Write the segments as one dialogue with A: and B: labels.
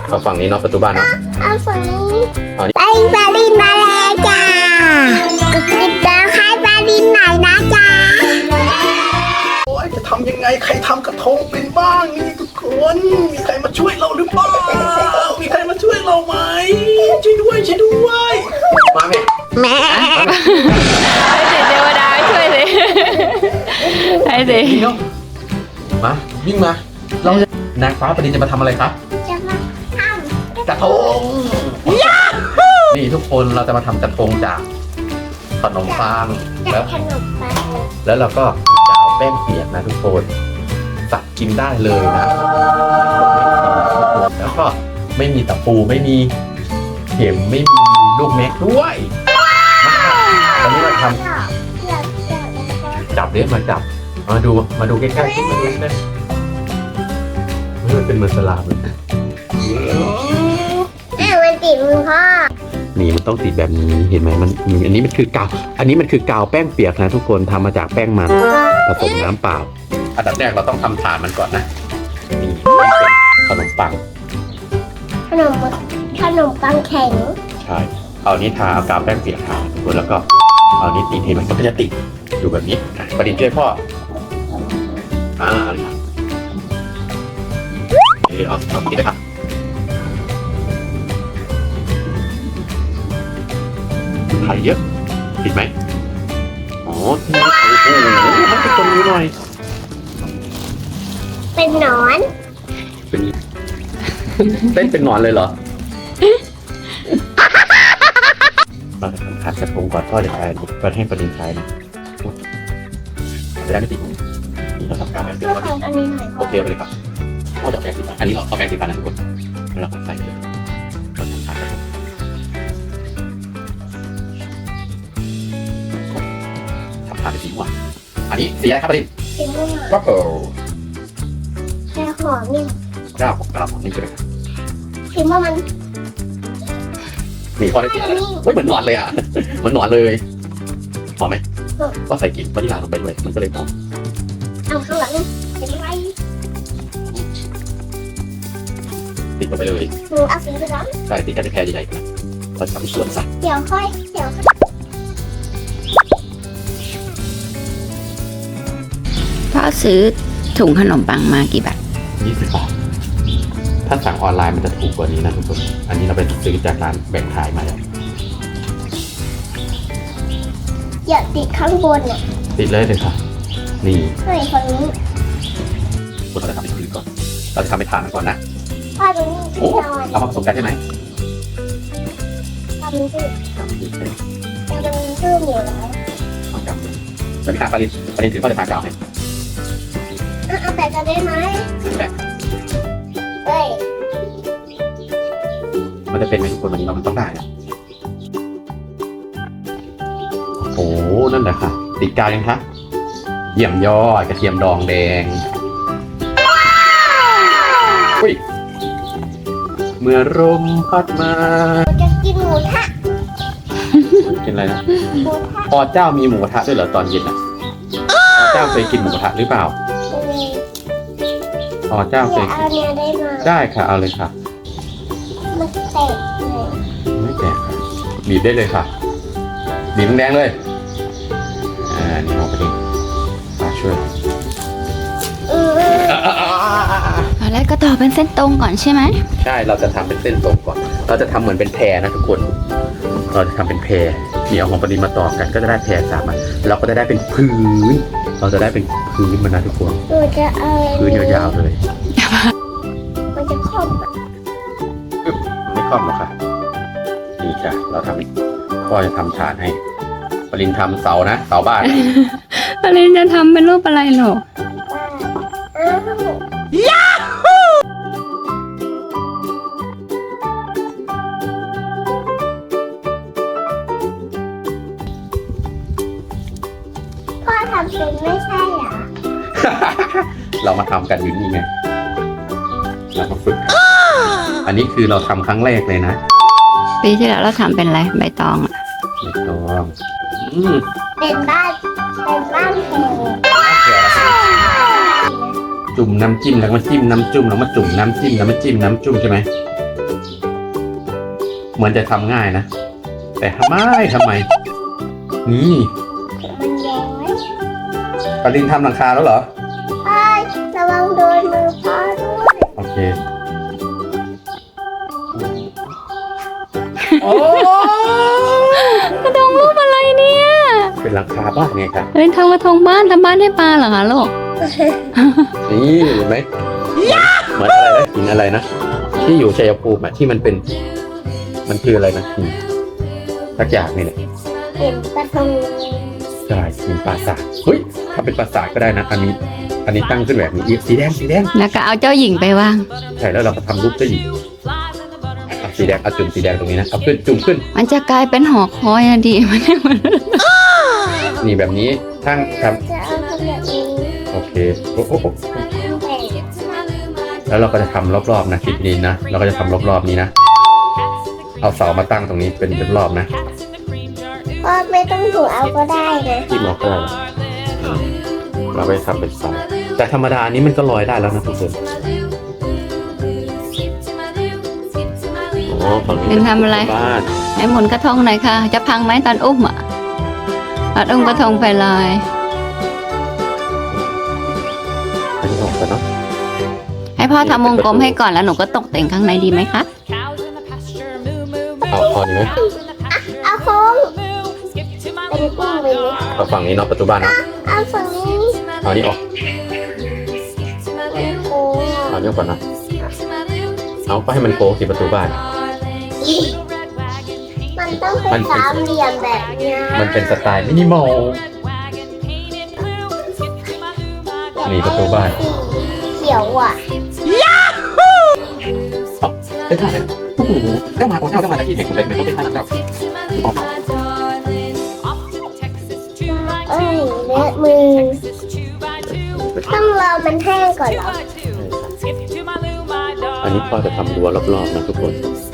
A: เอาฝั่งนี้เนาะประตูบ้านเนาะ
B: เอาฝั่งนี้
A: เอานี่
B: ไปปารินมาแล้วจ้ากดติดตามให้ปารินหน่อยนะจ้า
C: โอ้ยจะทำยังไงใครทำกระทงเป็นบ้างนี่ทุกคนมีใครมาช่วยเราหรือเปล่ามีใครมาช่วยเราไหมช่วยด้วยช่วยด้วย
A: มาไหม
B: แม่
D: ให้เด็กเทวดาช่วยสิให้สิ
A: นี่เนาะมาวิ่งมาเราจะนางฟ้าประดินจะมาทำอะไรครับ
B: จะมาท
A: กระทงนี่ทุกคนเราจะมาทำกระทงจากขนมปัง
B: ำ
A: แล้ว
B: ขนมปัง
A: แล้วเราก็จะเอาแป้งเปียกนะทุกคนตักกินได้เลยนะแล้วก็ไม่มีตะปูไม่มีเข็มไม่มีลูกแม็กด้วยตอนนี้เราทำจับเดี๋ยวมาจับมาดูใกล้ๆมาดูนะมันเป็นเหมือนสลามเลย
B: มันติดมือพ่อ
A: นี่มันต้องติดแบบนี้เห็นไหมมันอันนี้มันคือกาวแป้งเปียกนะทุกคนทำมาจากแป้งมันผสมน้ำเปล่าอันดับแรกเราต้องทำฐานมันก่อนนะนี่เป็นขนมปัง
B: ขนมปังแข็ง
A: ใช่เอานี้ทาเอากาวแป้งเปียกทาทุกคนแล้วก็เอานี้ติดให้มันก็จะติดอยู่แบบนี้ประดิษฐ์ช่วยพ่อเอาติดเลยครับไข่เยอะติดไหมอ๋อติดโอ้โหมันติดตรงนี้หน่อย
B: เป็นหนอน
A: เป็นเต้นเป็นหนอนเลยเหรอเราจะทำขาดกระทงก่อนพ่อจะใช้ประเทศประดิษฐ์ใช้นะจะได้ไม่ติดนี่เราทำการแบบเดียว
B: ก็ทำอันนี้หน่อย
A: โอเคไปเลยครับพ่อจะแปรงสีฟันอันนี้เราเอาแปรงสีฟันนะทุกคนแล้วเราก็ใส่เลยเราทำขาดกระทงทำขาดเป็นสีม่วงอันนี้สีอะไรครับประดิษฐ์
B: เป็นม่วง
A: ก็เปิล
B: แต่หอมนี่
A: กระดาษนี่ใช่ไหมครับ
B: คิดว่ามัน
A: นี่พ่อได้สีอะไรเฮ้ยเหมือนหนอนเลยอ่ะเหมือนหนอนเลยหอมไหมก็ใส่กลิ่นวานิลลาลงไปด้วยมันก็เลยหอม
B: เอาข้างหลังเป็นไร
A: ติดลงไปเลย
B: หนูเอาสีไปแล้ว
A: ใช่ติดกันเป็นแพรใหญ่ๆนะเราทำสวนสัตว์
B: เดี๋ยวค่อย
D: พ่อซื้อถุงขนมปังมากี่บาท
A: 20 บาทถ้าสั่งออนไลน์มันจะถูกกว่านี้นะทุกคนอันนี้เราไปซื้อจากร้านแบ่งขายมาแล้ว
B: อย่าติดข้างบนน่ะ
A: ติดเลยค่ะนี่
B: ให้ฝั่งนี้
A: เราจะทำเป็นพื้นก่อนเราจะทำเป็นฐานก่อนนะ
B: พ่อตรงนี้
A: โอ้
B: ที่นอน
A: เอามาผสมกันใช่ไหม
B: ทำนี่
A: ทำนี่เลย
B: มันตื้นอยู่แล้ว
A: เอาจับเลยสวัสดีครับประเด็นถือพ่อจะทากาวให้
B: เอาแต่กันได้ไหม
A: ถือแบบ
B: เฮ้ย
A: มันจะเป็นไหมทุกคนวันนี้เรามันต้องได้นะโอ้นั่นแหละค่ะติดกาวยังคะเยี่ยมยอดกระเทียมดองแดงอุ้ยเมื่อลมพัดมา
B: เราจะกินหมูทะ
A: กินอะไรนะ
B: หมูทะ
A: พ่อเจ้ามีหมูกระทะด้วยเหรอตอนเย็นอ่ะพ่อเจ้าเคยกินหมูกระทะหรือเปล่า
B: มี
A: พ่อเจ้าเค
B: อย ย่าเอาเนื้อได้ไหม
A: ได้ค่ะเอาเลยค่ะ
B: มันแตกเลย
A: ไม่แตกค่ะบีบได้เลยค่ะบีบแดงๆเลยนี่เอาไปดิมาช่วย
D: ตอนแรกก็ต่อเป็นเส้นตรงก่อนใช่ไหม
A: ใช่เราจะทำเป็นเส้นตรงก่อนเราจะทำเหมือนเป็นแพรนะทุกคนเราจะทำเป็นแพรเดี๋ยวของปริมาต่อกันก็จะได้แพรสามอันเราก็จะได้เป็นพื้นเราจะได้เป็นพื้นมันนะทุกคน
B: หนูจะเอา
A: พื้นยาวๆเลย
B: มันจะครอบอะ
A: ไม่คล่อมหรอกค่ะนี่ค่ะเราทำพ่อจะทำฐานให้ปรินทำเสานะเสาบ้าน
D: อะไรจะทำเป็นรูปอะไรหรอ
B: อ้าวพ่อทำเป็นไม่ใช่เหรอ
A: เรามาทำกันอยู่นี่ไงเรามาฝึกกันอันนี้คือเราทำครั้งแรกเลยนะ
D: ปีที่แล้วเราทำเป็นอะไรใบตองอะ
A: ไม่ต้อง
B: เป็นบ้านแพง
A: จุ่มน้ำจิ้มแล้วมาจิ้มน้ำจุ่มแล้วมาจุ่มน้ำจิ้มแล้วมาจิ้มน้ำจุ่มใช่ไหมเหมือนจะทำง่ายนะ แต่ทำไมนี่
B: มันย้อย
A: ปารินทำหลังคาแล้วเหรอ
B: ไอ้ยระวังโดนมือพ่อด้วย
A: โอเคโอ้
D: กระทงรูปอะไรเนี่ย
A: เป็นหลังคาบ้านไงครับ
D: เป็นทำกระทงบ้านทำบ้านให้ปลาเหรอคะลูก
A: นี่เห็นไหมเหมือนอะไรนะหินอะไรนะที่อยู่ชัยภูมิอะที่มันเป็นมันคืออะไรนะหินสักอย่างนี่แหละ
B: เห็นกระทง
A: ใช่หินปราสาทเฮ้ยถ้าเป็นปราสาทก็ได้นะอันนี้ตั้งขึ้นแบบนี้สีแดง
D: แล้วก็เอาเจ้าหญิงไปวาง
A: ใช่แล้วเราก็ทำรูปเจ้าหญิงเอาสีแดงเอาจุ่มสีแดงตรงนี้นะเอาขึ้นจุ่มขึ้น
D: มันจะกลายเป็นหอคอยอะดีมันเนี่ยมัน
A: นี่แบบนี้ทั้งท
B: จะเอาทำแบบนี้
A: ำโอเคโอ้โห
B: แต่
A: แล้วเราก็จะทำรอบๆนะคลิปนี้นะเราก็จะทำรอบๆนี้นะเอาเสามาตั้งตรงนี้เป็นรอบๆนะ
B: ก็ไม่ต้องถูเอาก็ได้นะ
A: ที่มอกได้เราไปทำเป็นเสาแต่ธรรมดาอันนี้มันก็ลอยได้แล้วนะทุกคนอ๋อฝั่งนี้
D: เป็นทำอะไร
A: บ้าน
D: ให้หมุนกระทงหน่อยค่ะ จะพังไหมตอนอุ้มอ่ะตอนอุ้มกระทงไปเลย
A: อันนี้ออกกันเนาะ
D: ให้พ่อทำวงกลมให้ก่อนแล้วหนูก็ตกแต่งข้างในดีไหมคะ
A: เอาพอดีไหม
B: เอาโค้งเป็นกุ้งไปเลย
A: เอาฝั่งนี้เนาะประตูบ้านเนาะ
B: เอาฝั่งนี้
A: เอานี้ออก
B: โค้ง
A: เอานี้ออกก่อนนะเอาก็ให้มันโค้งสิประตูบ้าน
B: มันต้องเป็นสามเหลี่ยมแบบเนี้ย
A: มันเป็นสไตล์มินิมอล นี่ประตูบ้าน
B: เขียวอ่ะ
A: ได้ท่าเลยโอ้โหได้มาโอ้เจ้าได้มาจากที่เห็นคุณเล็กไม่ต้องเป็นท่านั้นเจ้าออก
B: เอ้ยเลอะมือต้องรอมันแห้งก่อนเหรอ
A: อันนี้พ่อจะทำรั้วรอบๆนะทุกคน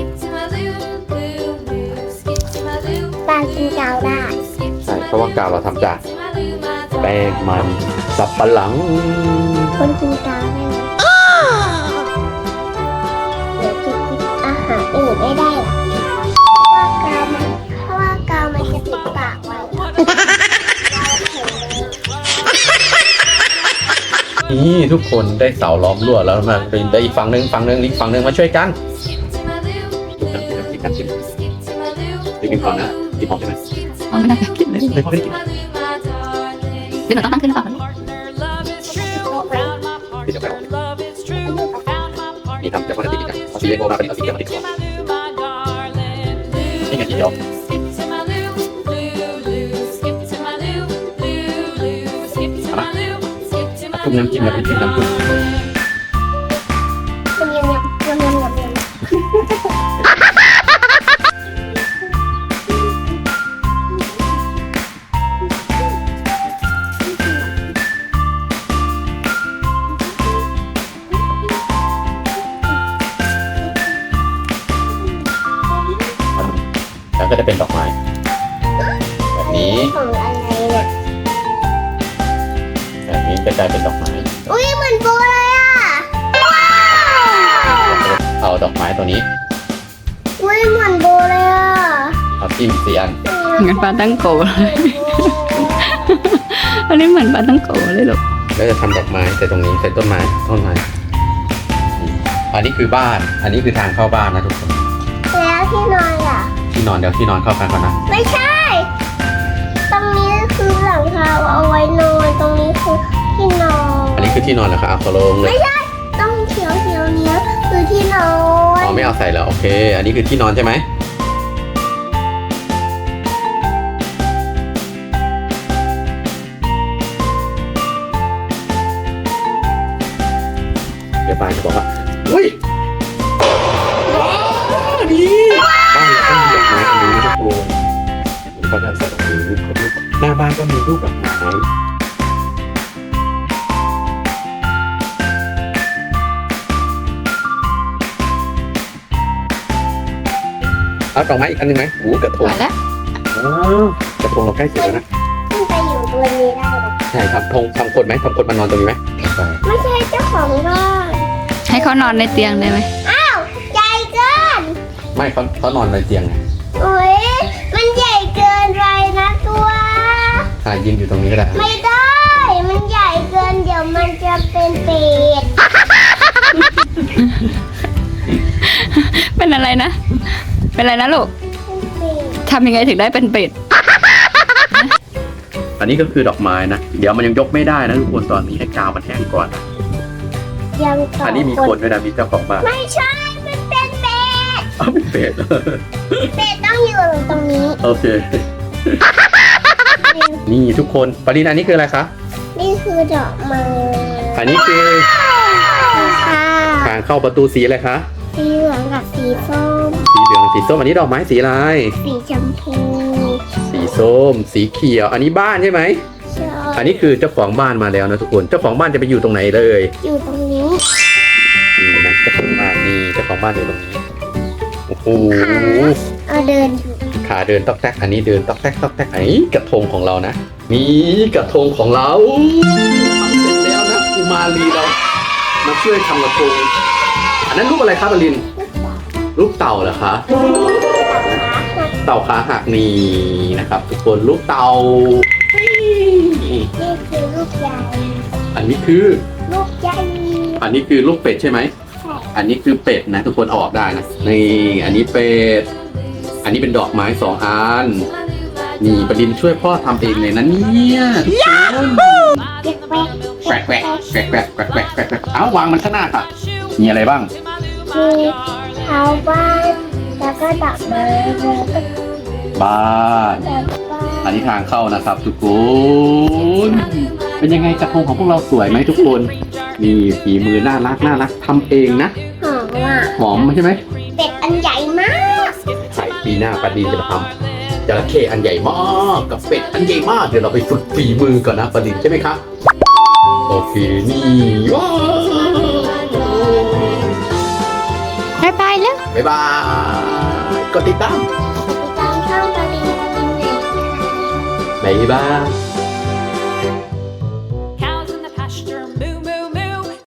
B: ตากินกาวได้
A: ใช่เพราะว่ากาวเราทำจากแป้งมันสับปะหลัง
B: คนกินกาวได้ไหมเดี๋ยวกินอาหารอื่นไม่ได้หรอเพราะว่ากาวมันจะปิดปากไว้
A: นี่ทุกคนได้เสาล้อมรั้วแล้วมาเป็นได้อีกฝั่งหนึ่งอีกฝั่งหนึ่งมาช่วยกันกินก่อนนะกินหอมใช่ไหม
D: เอาไม่ได้กินเลย
A: ไม่พอไม่ได้กิน
D: เดี๋ยวหนูต้องตั้งขึ้นก่อน
A: กินจะไปนี่ทำจากปกตินะเอาสีเลโก้มาเป็นเอาสีเขียวมาติดก่อนนี่ไงสีเขียวจุ่มน้ำจิ้มแล้วเป็นจิ้มน้ำจิ้ม แล้วก็จะเป็นดอกไม้แบบนี้
B: ของอะไรเนี่ย
A: แบบนี้จะกลายเป็นดอกไม้
B: อุ้ยเหมือนโบเลยอ่ะ
A: เอาดอกไม้ตัวนี้
B: อุ้ยเหมือนโบเลยอ่ะ
A: เอาจิ้ม4 อัน
D: เหมือนปลาตั้งโกเลยอันนี้เหมือนปลาตั้งโกเลยลูก
A: แล้วจะทำดอกไม้ใส่ตรงนี้ใส่ต้นไม้อันนี้คือบ้าน อันนี้คือทางเข้าบ้านนะทุกคน
B: แล้วที่นอนอ่ะ
A: ที่นอนเดี๋ยวที่นอนเข้ากันก่อนนะ
B: ไม่ใช่ ตรงนี้คือหลังคาเอาไว้นอน ตรงนี้คือที่นอน
A: อันนี้คือที่นอนเหรอคะเอาขอลงเลย
B: ไม่ใช่ ต้องเขียวเนี้ยคือที่นอน
A: อ๋อไม่เอาใส่แล้วโอเค อันนี้คือที่นอนใช่ไหมเดี๋ยวบ้านจะบอกว่าอุ้ยว้าวดีบ้านเราต้องมีดอกไม้อันนี้นะทุกคนผมก็จะใส่ดอกไม้หน้าบ้านก็มีรูปดอกไม้เอาดอกไม้อีกอันหนึ่งไหมโอ้กระท
D: พ
A: ง
D: อแล้ว
A: กระทงเราใกล้เสร็จแล้วนะ
B: ขึ้นไปอยู่บนนี้ได้หรอ
A: ใช่ครับทำคนไหมทำคนมานอนตรงนี้ไหมใช่
B: ไม่ใช่เจ้าของบ้าน
D: ให้เขานอนในเตียงได้ไหม
B: อ้าวใหญ่เกิน
A: อไม่เขานอนในเตียงไง
B: โอ้ยมันใหญ่เกินไปนะตัว
A: ยืนอยู่ตรงนี้ก็ได้
B: ไม่ได้ มันใหญ่เกินเดี๋ยวมันจะเป็นเป็ด
D: เป็นอะไรนะ เป็นอะไรนะลูก
B: เป็ด
D: ทำยังไงถึงได้เป็นเป็ด
A: อันนี้ก็คือดอกไม้นะเดี๋ยวมันยังยกไม่ได้นะทุกคนตอนนี้ให้กาวมันแห้งก่อนนะ
B: ยังต่อ
A: อันนี้มีคนด้วยนะมีเจ้าของบ้าน
B: ไม่ใช่ มันเป็นเป็ด
A: อ้าวเป็นเป็ด
B: เป็ดต้องอยู่ตรงนี้
A: โอเค นี่ทุกคนปรินอันนี้คืออะไรคะ
B: นี่คือดอกไม้
A: อันนี้คือ
B: ค่ะ
A: ทางเข้าประตูสีอะไรคะ
B: สีเหลืองกับสีส้ม
A: สีเหลืองสีส้มอันนี้ดอกไม้สีอะไร
B: สีชมพู
A: สีส้ม สีเขียว อันนี้บ้านใช่ไหม
B: ใช่
A: อันนี้คือเจ้าของบ้านมาแล้วนะทุกคน เจ้าของบ้านจะไปอยู่ตรงไหนเลย
B: อยู่ตรงนี้
A: นี่นะเจ้าของบ้านนี่เจ้าของบ้านอยู่ตรงนี้ โอ้โห
B: เอาเดินอยู่
A: ขาเดินต๊อกแต๊ก อันนี้เดินต๊อกแต๊กต๊อกแต๊กไอ้กระทงของเรานะ นี่กระทงของเราทำเสร็จแล้วนะกุมารีเรา มาช่วยทำกระทง อันนั้นรูปอะไรครับอลิน รูปเต่าเหรอคะ เต่าขาหักนี่นะครับ ทุกคนรูปเต่า
B: นี่คือลูกใหญ่
A: อันนี้คือ
B: ลูกใหญ่
A: อันนี้คือลูกเป็ดใช่ไหม อันนี้คือเป็ดนะทุกคนเอาออกได้นะ นี่ อันนี้เป็ด อันนี้เป็นดอกไม้2 อัน นี่ประดินช่วยพ่อทำเองเลยนะเนี่ยทุกคน
B: เด็กแวก
A: แกวกแกวกแกวกแกวกแกวกแกวกแกวกแกวกเอาวางมันข้างหน้าค่ะ มีอะไรบ้าง
B: มีเท้าบ้านแล้วก็ดอกไม้แล้วก็
A: บ้าน
B: ดอกบ้าน
A: อันนี้ทางเข้านะครับทุกคน เป็นยังไงกระทงของพวกเราสวยไหมทุกคน นี่ฝีมือน่ารักน่ารักทำเองนะ
B: หอมอ่ะ
A: หอมใช่ไหม
B: เป็ดอันใหญ่มาก
A: ใช่ปีหน้าปาดินจะมาทำจระเข้อันใหญ่มากกับเป็ดอันใหญ่มากเดี๋ยวเราไปฝึกฝีมือก่อนนะปาดินใช่ไหมครับโอเคนี่ว้าว
D: บ๊ายบายแล้ว
A: บ๊ายบายกดติดตาม
B: ติดตามช่องตาลินกินไหน
A: บ๊ายบาย